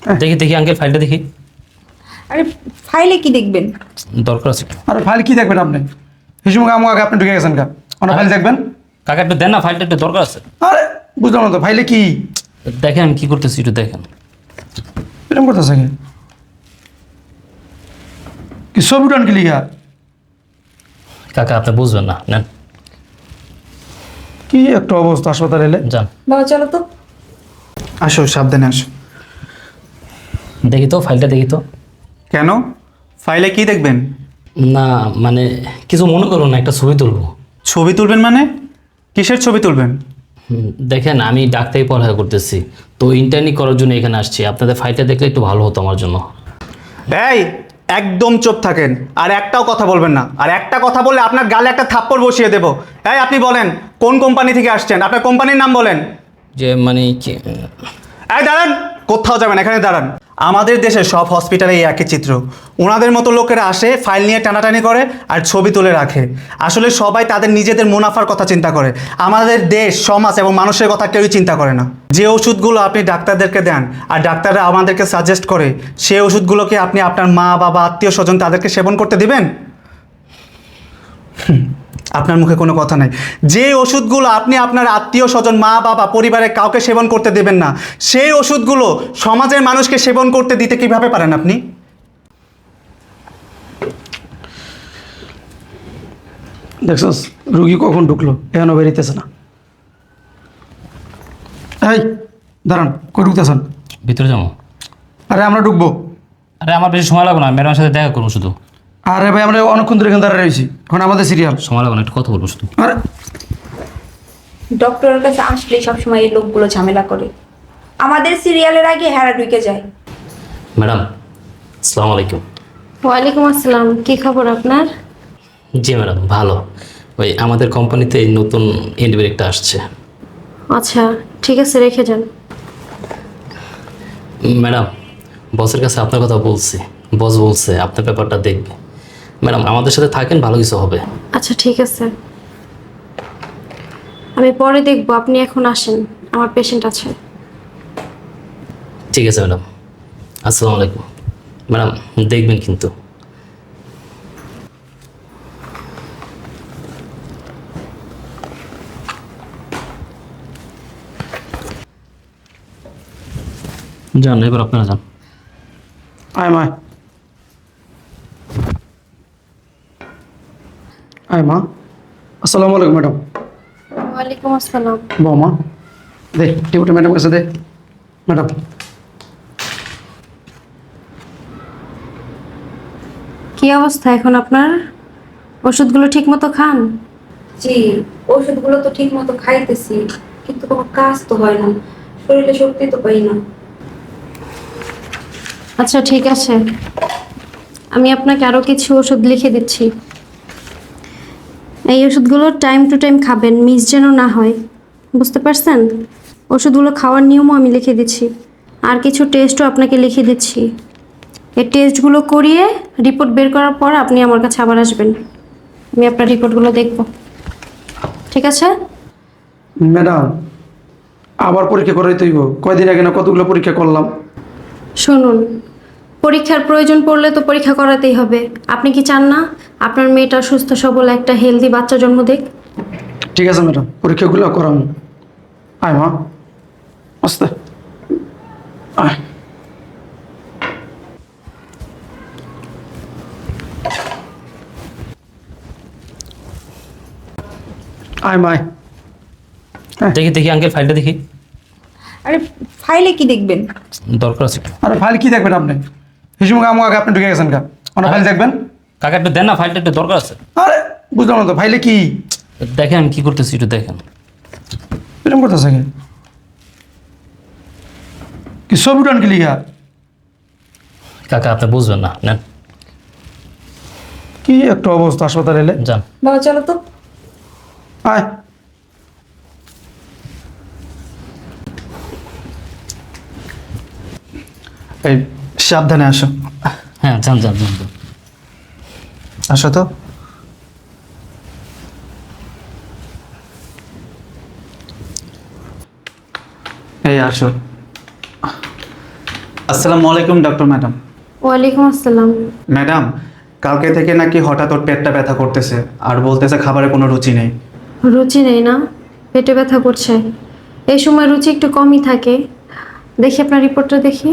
দেখি দেখি আঙ্কেল ফাইলটা দেখি। আরে ফাইলে কি দেখবেন? দরকার আছে। আরে ফাইল কি দেখবেন আপনি? হিসুমুখ আমু আগে আপনি ঢুকে গেছেন কা? ওনা ফাইল দেখবেন? কাকা একটু দেন না, ফাইলটা একটু দরকার আছে। আরে বুঝলাম না তো ফাইলে কি? দেখেন আমি কি করতেছি একটু দেখেন। এরকম করতেছে কি ছবি উঠান কি লিখা? কাকা আপনি বুঝবেন না, নেন কি একটা অবস্থা হাসপাতালে এলে। যান। বাবা চলো তো। আসো, সাবধানে আসো। দেখি তো ফাইলটা দেখি তো। কেন? ফাইলে কি দেখবেন? না মানে কিছু মনে করুন না, একটা ছবি তুলবো। ছবি তুলবেন মানে? কিসের ছবি তুলবেন? দেখেন আমি ডাক্তারি পড়াশোনা করতেছি, তো ইন্টার্নি করার জন্য এখানে আসছি। আপনাদের ফাইলটা দেখলে একটু ভালো হতো আমার জন্য। এই, একদম চুপ থাকেন, আর একটাও কথা বলবেন না। আর একটা কথা বললে আপনার গালে একটা থাপ্পড় বসিয়ে দেবো। এই, আপনি বলেন কোন কোম্পানি থেকে আসছেন? আপনার কোম্পানির নাম বলেন। যে মানে কি? এই দাঁড়ান, কোথাও যাবেন, এখানে দাঁড়ান। আমাদের দেশে সব হসপিটালে এই একই চিত্র। ওনাদের মতো লোকেরা আসে, ফাইল নিয়ে টানাটানি করে আর ছবি তুলে রাখে। আসলে সবাই তাদের নিজেদের মুনাফার কথা চিন্তা করে। আমাদের দেশ, সমাজ এবং মানুষের কথা কেউই চিন্তা করে না। যে ওষুধগুলো আপনি ডাক্তারদেরকে দেন আর ডাক্তাররা আমাদেরকে সাজেস্ট করে, সেই ওষুধগুলোকে আপনি আপনার মা বাবা আত্মীয় স্বজন তাদেরকে সেবন করতে দিবেন? আপনার মুখে কোনো কথা নাই। যে ওষুধগুলো আপনি আপনার আত্মীয় স্বজন মা বাবা পরিবারের কাউকে সেবন করতে দেবেন না, সেই ওষুধগুলো সমাজের মানুষকে সেবন করতে দিতে কিভাবে পারেন আপনি? দেখছস রুগী কখন ঢুকলো, এখনো বেরিতেছে না। এই দাঁড়ান, কই ঢুকতেছেন? ভিতরে যাবো? আরে আমরা ঢুকবো। আরে আমার বেশি সময় লাগবে না, ম্যাডামের সাথে দেখা করবো শুধু। আরে ভাই আমরা অনেকক্ষণ ধরে এখানে দাঁড়িয়ে রয়েছি, এখন আমাদের সিরিয়াল। সময় লাগবে না, একটু কথা বলবো শুধু। আরে ডক্টরের কাছে আসলেই সবসময় এই লোকগুলো ঝামেলা করে। আমাদের সিরিয়ালের আগে হেরা ঢুকে যায়। ম্যাডাম আসসালামু আলাইকুম। ওয়ালাইকুম আসসালাম। কি খবর আপনার? জি ম্যাডাম ভালো। ওই আমাদের কোম্পানিতে এই নতুন ইন্ডিভিজুয়াল একটা আসছে। আচ্ছা ঠিক আছে, রেখে যান। ম্যাডাম বসের কাছে আপনার কথা বলছি, বস বলছে আপনার ব্যাপারটা দেখবে। ম্যাডাম আমাদের সাথে থাকেন, ভালো কিছু হবে। আচ্ছা ঠিক আছে, আমি পরে দেখবো। আপনি এখন আসেন, আমার পেশেন্ট আছে। ঠিক আছে ম্যাডাম, আসসালামু আলাইকুম। ম্যাডাম দেখবেন কিন্তু। যান এবার আপনারা যান। আয় মা, আয় মা। আসসালামু আলাইকুম ম্যাডাম। ওয়ালাইকুম আসসালাম। বৌমা দে টিউটা ম্যাডাম কাছে দে। ম্যাডাম কি অবস্থা এখন আপনার? ওষুধগুলো ঠিক মতো খান? জি, ওষুধগুলো তো ঠিক মতো খাইতেছি, কিন্তু কোনো কাজ তো হয় না, শরীরে শক্তি তো পাই না। আচ্ছা ঠিক আছে, আমি আপনাকে আরও কিছু ওষুধ লিখে দিচ্ছি। এই ওষুধগুলো টাইম টু টাইম খাবেন, মিস যেন না হয়, বুঝতে পারছেন? ওষুধগুলো খাওয়ার নিয়মও আমি লিখে দিচ্ছি, আর কিছু টেস্টও আপনাকে লিখে দিচ্ছি। এই টেস্টগুলো করিয়ে রিপোর্ট বের করার পর আপনি আমার কাছে আবার আসবেন, আমি আপনার রিপোর্টগুলো দেখব। ঠিক আছে? ম্যাডাম আবার পরীক্ষা করাই তৈব? কয়দিন আগে না কতগুলো পরীক্ষা করলাম। শুনুন, পরীক্ষার প্রয়োজন পড়লে তো পরীক্ষা করাতেই হবে। আপনি কি চান না আপনার মেয়েটা সুস্থ সবল একটা হেলদি বাচ্চা জন্ম দেখ? ঠিক আছে ম্যাডাম, পরীক্ষাগুলো করাম। আয় মা, আস্তে আয়। আয় মায়। দেখি দেখি আঙ্কেল ফাইলটা দেখি। আরে ফাইলে কি দেখবেন? দরকার আছে। আরে ফাইল কি দেখবেন আপনি? হিসুমুখ আমু আগে আপনি ঢুকে গেছেন কা? ওনা ফাইল দেখবেন? কাকা একটু দেন না, ফাইলটা একটু দরকার আছে। আরে বুঝলাম না তো ফাইলে কি? দেখেন আমি কি করতেছি একটু দেখেন। এরকম করতেছে কি ছবি উঠান কি লিখা? কাকা আপনি বুঝবেন না, নেন কি একটা অবস্থা হাসপাতালে এলে। যান। বাবা চলো তো। আয় এই, সাবধানে আসো। হ্যাঁ যান যান যান যান। আসো তো। এই আসো। আসসালামু আলাইকুম ডক্টর ম্যাডাম। ওয়ালাইকুম আসসালাম। ম্যাডাম, কালকে থেকে নাকি হঠাৎ ওর পেটটা ব্যথা করতেছে আর বলতেছে খাবারে কোনো রুচি নেই। রুচি নেই না? পেটে ব্যথা করছে। এই সময় রুচি একটু কমই থাকে। দেখি আপনার রিপোর্টটা দেখি।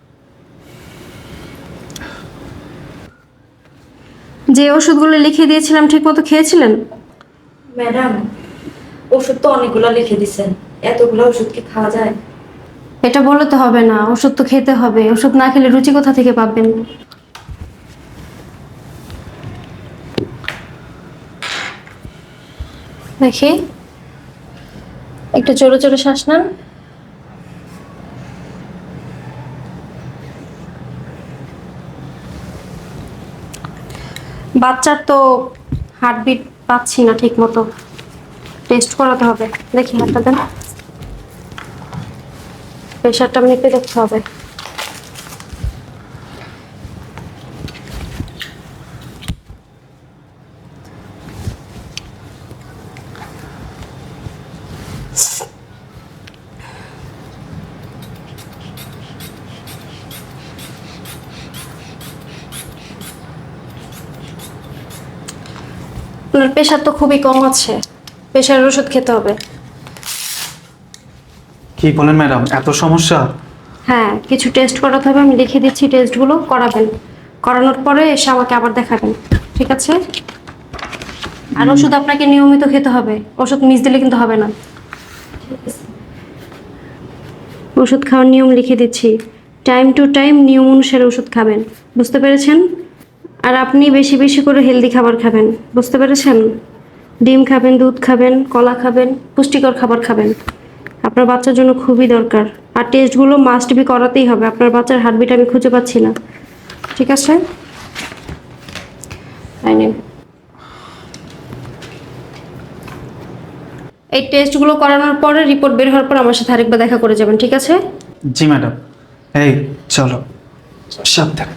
যে ওষুধগুলো লিখে দিয়েছিলাম ঠিকমতো খেয়েছিলেন? ম্যাডাম, ওষুধ তো অনেকগুলো লিখে দিছেন, এতগুলো ওষুধ কি খাওয়া যায়? এটা বলে তো হবে না, ওষুধ তো খেতে হবে। ওষুধ না খেলে রুচি কোথা থেকে পাবেন? দেখি, একটু জোরে জোরে শ্বাস নেন। বাচ্চার তো হার্টবিট পাচ্ছি না ঠিক মতো, টেস্ট করাতে হবে। দেখি হাতটা দেন, প্রেশারটা মেপে দেখতে হবে। আপনার প্রেশার তো খুবই কম আছে, প্রেশারের ওষুধ খেতে হবে। কি বলেন ম্যাডাম, এত সমস্যা? হ্যাঁ, কিছু টেস্ট করাতে হবে, আমি লিখে দিচ্ছি, টেস্টগুলো করাবেন। করানোর পরে এসে আমাকে আবার দেখাবেন, ঠিক আছে? আর ওষুধ আপনাকে নিয়মিত খেতে হবে, ওষুধ মিস দিলে কিন্তু হবে না। ওষুধ খাওয়ার নিয়ম লিখে দিচ্ছি, টাইম টু টাইম নিয়ম অনুসারে ওষুধ খাবেন, বুঝতে পেরেছেন? আর আপনি বেশি বেশি করে হেলদি খাবার খাবেন, বুঝতে পেরেছেন? ডিম খাবেন, দুধ খাবেন, কলা খাবেন, পুষ্টিকর খাবার খাবেন, আপনার বাচ্চার জন্য খুবই দরকার। আর টেস্টগুলো মাস্ট বি করাতেই হবে, আপনার বাচ্চার হার্টবিট আমি খুঁজে পাচ্ছি না, ঠিক আছে? তাই নিন। এই টেস্টগুলো করানোর পরে রিপোর্ট বের হওয়ার পর আমার সাথে আরেকবার দেখা করে যাবেন, ঠিক আছে? জি ম্যাডাম। এই চলো, সাবধানে।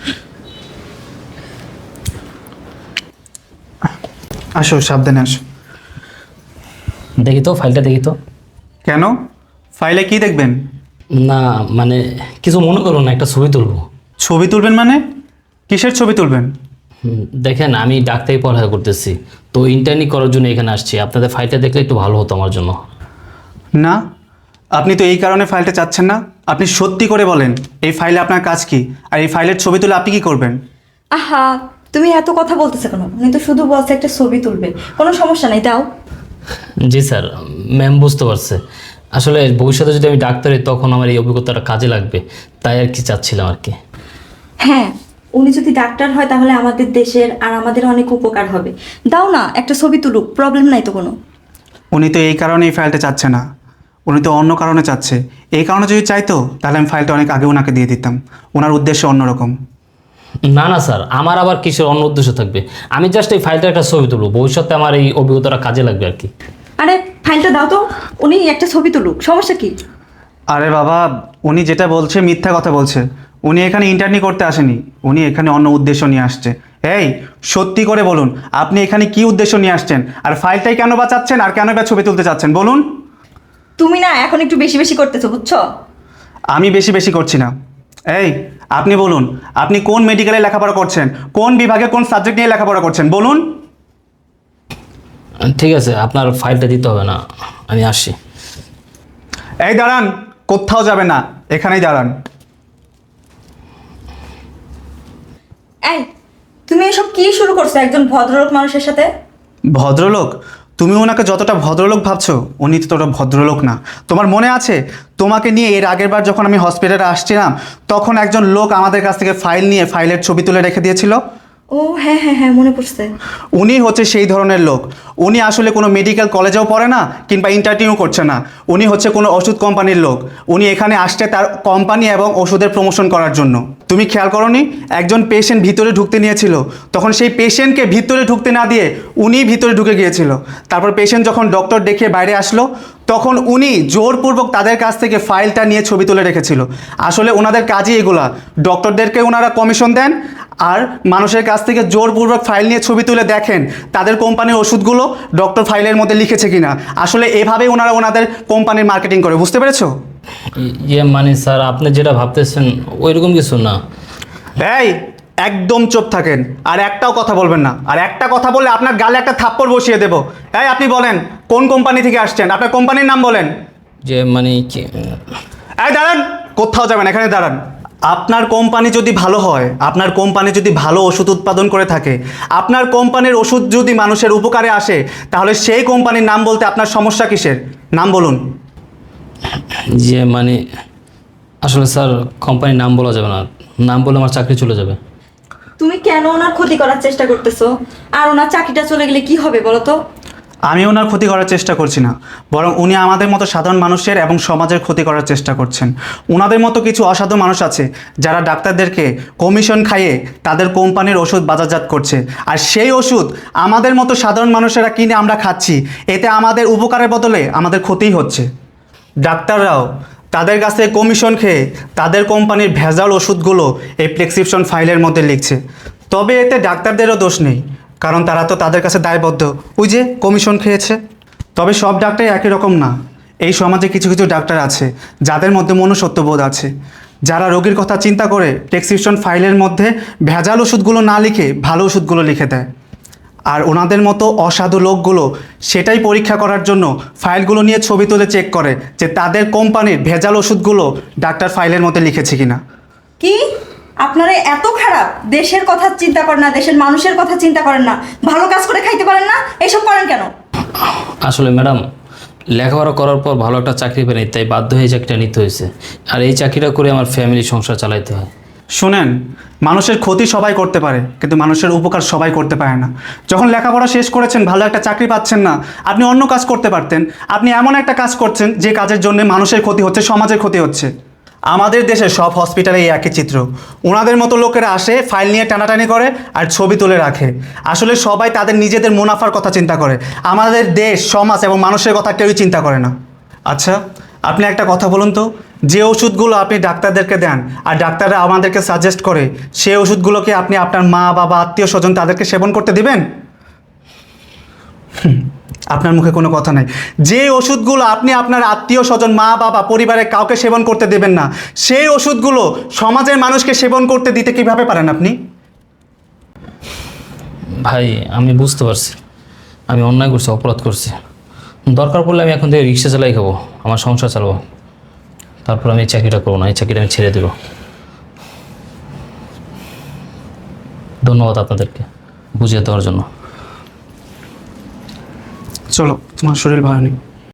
আসো, সাবধানে আসো। দেখি তো ফাইলটা, দেখি তো। কেন? ফাইলে কি দেখবেন? না মানে কিছু মনে করো না, একটা ছবি তুলবো। ছবি তুলবেন মানে? কিসের ছবি তুলবেন? দেখেন আমি ডাক্তারি পড়ালেখা করতেছি, তো ইন্টার্নি করার জন্য এখানে আসছি। আপনাদের ফাইলটা দেখলে একটু ভালো হতো আমার জন্য। না, আপনি তো এই কারণে ফাইলটা চাচ্ছেন না। আপনি সত্যি করে বলেন, এই ফাইলে আপনার কাজ কি? আর এই ফাইলের ছবি তুলে আপনি কি করবেন? আহা, তুমি এত কথা বলতেছো কেন? উনি তো শুধু বলছে একটা ছবি তুলবে, কোনো সমস্যা নেই, দাও। জি স্যার, ম্যাম বুঝতে পারছে। আসলে ভবিষ্যতে যদি আমি ডাক্তার হই তখন আমার এই অভিজ্ঞতাটা কাজে লাগবে, তাই আর কি চাচ্ছিলাম আর কি। হ্যাঁ, উনি যদি ডাক্তার হয় তাহলে আমাদের দেশের আর আমাদের অনেক উপকার হবে। দাও না, একটা ছবি তুলুক, প্রবলেম নাই তো কোনো। উনি তো এই কারণে এই ফাইলটা চাচ্ছে না, উনি তো অন্য কারণে চাচ্ছে। এই কারণে যদি চাইতো তাহলে আমি ফাইলটা অনেক আগে ওনাকে দিয়ে দিতাম। ওনার উদ্দেশ্য অন্যরকম। না না স্যার, আমার আবার কিসের অন্য উদ্দেশ্য থাকবে? আমি জাস্ট এই ফাইলটার একটা ছবি তুলবো, ভবিষ্যতে আমার এই অভিজ্ঞতাটা কাজে লাগবে আর কি। আরে ফাইলটা দাও তো, উনি একটা ছবি তুলুক, সমস্যা কি? আরে বাবা, উনি যেটা বলছে মিথ্যা কথা বলছে। উনি এখানে ইন্টার্নি করতে আসেনি, উনি এখানে অন্য উদ্দেশ্য নিয়ে আসছে। এই, সত্যি করে বলুন, আপনি এখানে কি উদ্দেশ্য নিয়ে আসছেন? আর ফাইলটাই কেন বা চাচ্ছেন, আর কেন বা ছবি তুলতে চাচ্ছেন বলুন? তুমি না এখন একটু বেশি বেশি করতেছো, বুঝছো? আমি বেশি বেশি করছি না। এই, আপনি বলুন, আপনি কোন মেডিকেলে লেখাপড়া করছেন, কোন বিভাগে কোন সাবজেক্ট নিয়ে লেখাপড়া করছেন বলুন? ঠিক আছে, আপনার ফাইলটা দিতে হবে না, আমি আসি। এই দাঁড়ান, কোথাও যাবেন না, এখানেই দাঁড়ান। এই, তুমি এসব কি শুরু করছো একজন ভদ্রলোক মানুষের সাথে? ভদ্রলোক? তুমি ওনাকে যতটা ভদ্রলোক ভাবছো, উনি তো ততটা ভদ্রলোক না। তোমার মনে আছে, তোমাকে নিয়ে এর আগের বার যখন আমি হসপিটালে আসছিলাম, তখন একজন লোক আমাদের কাছ থেকে ফাইল নিয়ে ফাইলের ছবি তুলে রেখে দিয়েছিল? ও হ্যাঁ হ্যাঁ হ্যাঁ, মনে পড়ছে। উনি হচ্ছে সেই ধরনের লোক। উনি আসলে কোনো মেডিকেল কলেজেও পড়ে না, কিংবা ইন্টারভিউ করছে না। উনি হচ্ছে কোনো ওষুধ কোম্পানির লোক। উনি এখানে আসছে তার কোম্পানি এবং ওষুধের প্রমোশন করার জন্য। তুমি খেয়াল করোনি, একজন পেশেন্ট ভিতরে ঢুকতে নিয়েছিল, তখন সেই পেশেন্টকে ভিতরে ঢুকতে না দিয়ে উনি ভিতরে ঢুকে গিয়েছিল। তারপর পেশেন্ট যখন ডক্টর দেখিয়ে বাইরে আসলো, তখন উনি জোরপূর্বক তাদের কাছ থেকে ফাইলটা নিয়ে ছবি তুলে রেখেছিল। আসলে ওনাদের কাজই এগুলা। ডক্টরদেরকে ওনারা কমিশন দেন, আর মানুষের কাছ থেকে জোরপূর্বক ফাইল নিয়ে ছবি তুলে দেখেন তাদের কোম্পানির ওষুধগুলো ডক্টর ফাইলের মধ্যে লিখেছে কিনা। আসলে এভাবেই ওনারা ওনাদের কোম্পানির মার্কেটিং করে, বুঝতে পেরেছো? ইয়ে মানে স্যার আপনি যেটা ভাবতেছেন ওইরকম কিছু না। এই একদম চুপ থাকেন, আর একটাও কথা বলবেন না। আর একটা কথা বললে আপনার গালে একটা থাপ্পড় বসিয়ে দেবো। এই আপনি বলেন কোন কোম্পানি থেকে আসছেন, আপনার কোম্পানির নাম বলেন। যে মানে কি এই দাঁড়ান, কোথাও যাবেন, এখানে দাঁড়ান। আপনার কোম্পানি যদি ভালো হয়, আপনার কোম্পানি যদি ভালো ওষুধ উৎপাদন করে থাকে, আপনার কোম্পানির ওষুধ যদি মানুষের উপকারে আসে, তাহলে সেই কোম্পানির নাম বলতে আপনার সমস্যা কিসের? নাম বলুন। যে মানে আসলে স্যার কোম্পানির নাম বলা যাবে না, নাম বলে আমার চাকরি চলে যাবে। তুমি কেন ওনার ক্ষতি করার চেষ্টা করতেছো? আর ওনার চাকরিটা চলে গেলে কি হবে বলো তো? আমি ওনার ক্ষতি করার চেষ্টা করছি না, বরং উনি আমাদের মতো সাধারণ মানুষের এবং সমাজের ক্ষতি করার চেষ্টা করছেন। ওনাদের মতো কিছু অসাধু মানুষ আছে যারা ডাক্তারদেরকে কমিশন খাইয়ে তাদের কোম্পানির ওষুধ বাজারজাত করছে, আর সেই ওষুধ আমাদের মতো সাধারণ মানুষেরা কিনে আমরা খাচ্ছি। এতে আমাদের উপকারের বদলে আমাদের ক্ষতিই হচ্ছে। ডাক্তাররাও তাদের কাছে কমিশন খেয়ে তাদের কোম্পানির ভেজাল ওষুধগুলো এই প্রেসক্রিপশন ফাইলের মধ্যে লিখছে। তবে এতে ডাক্তারদেরও দোষ নেই, কারণ তারা তো তাদের কাছে দায়বদ্ধ, ওই যে কমিশন খেয়েছে। তবে সব ডাক্তারই একই রকম না। এই সমাজে কিছু কিছু ডাক্তার আছে যাদের মধ্যে মনুষ্যত্ববোধ আছে, যারা রোগীর কথা চিন্তা করে প্রেসক্রিপশন ফাইলের মধ্যে ভেজাল ওষুধগুলো না লিখে ভালো ওষুধগুলো লিখে দেয়। আর ওনাদের মতো অসাধু লোকগুলো সেটাই পরীক্ষা করার জন্য ফাইলগুলো নিয়ে ছবি তুলে চেক করে যে তাদের কোম্পানির ভেজাল ওষুধগুলো ডাক্তার ফাইলের মধ্যে লিখেছে কিনা। কি আপনারা এত খারাপ? দেশের কথা চিন্তা করেন না, দেশের মানুষের কথা চিন্তা করেন না, ভালো কাজ করে খাইতে পারেন না, এইসব করেন কেন? আসলে ম্যাডাম লেখাপড়া করার পর ভালো একটা চাকরি পাইনি, তাই বাধ্য হয়ে চাকরিটা নিতে হয়েছে। আর এই চাকরিটা করে আমার ফ্যামিলি সংসার চালাইতে হয়। শোনেন, মানুষের ক্ষতি সবাই করতে পারে, কিন্তু মানুষের উপকার সবাই করতে পারে না। যখন লেখাপড়া শেষ করেছেন, ভালো একটা চাকরি পাচ্ছেন না, আপনি অন্য কাজ করতে পারতেন। আপনি এমন একটা কাজ করছেন যে কাজের জন্য মানুষের ক্ষতি হচ্ছে, সমাজের ক্ষতি হচ্ছে। আমাদের দেশের সব হসপিটালে এই একই চিত্র। ওনাদের মতো লোকেরা আসে, ফাইল নিয়ে টানাটানি করে আর ছবি তুলে রাখে। আসলে সবাই তাদের নিজেদের মুনাফার কথা চিন্তা করে, আমাদের দেশ, সমাজ এবং মানুষের কথা কেউই চিন্তা করে না। আচ্ছা, আপনি একটা কথা বলুন তো, যে ওষুধগুলো আপনি ডাক্তারদেরকে দেন আর ডাক্তাররা আমাদেরকে সাজেস্ট করে, সেই ওষুধগুলোকে আপনি আপনার মা বাবা আত্মীয় স্বজন তাদেরকে সেবন করতে দিবেন? আপনার মুখে কোনো কথা নাই। যে ওষুধগুলো আপনি আপনার আত্মীয় স্বজন মা বাবা পরিবারের কাউকে সেবন করতে দেবেন না, সেই ওষুধগুলো সমাজের মানুষকে সেবন করতে দিতে কিভাবে পারেন আপনি? ভাই আমি বুঝতে পারছি আমি অন্যায় করছি, অপরাধ করছি। দরকার পড়লে আমি এখন থেকে রিক্সা চালাই খাবো, আমার সংসার চালাবো। তারপর আমি এই চাকরিটা করবো না, এই চাকরিটা আমি ছেড়ে দেবো। ধন্যবাদ আপনাদেরকে বুঝিয়ে দেওয়ার জন্য। চলো, তোমার শরীর ভালো নেই।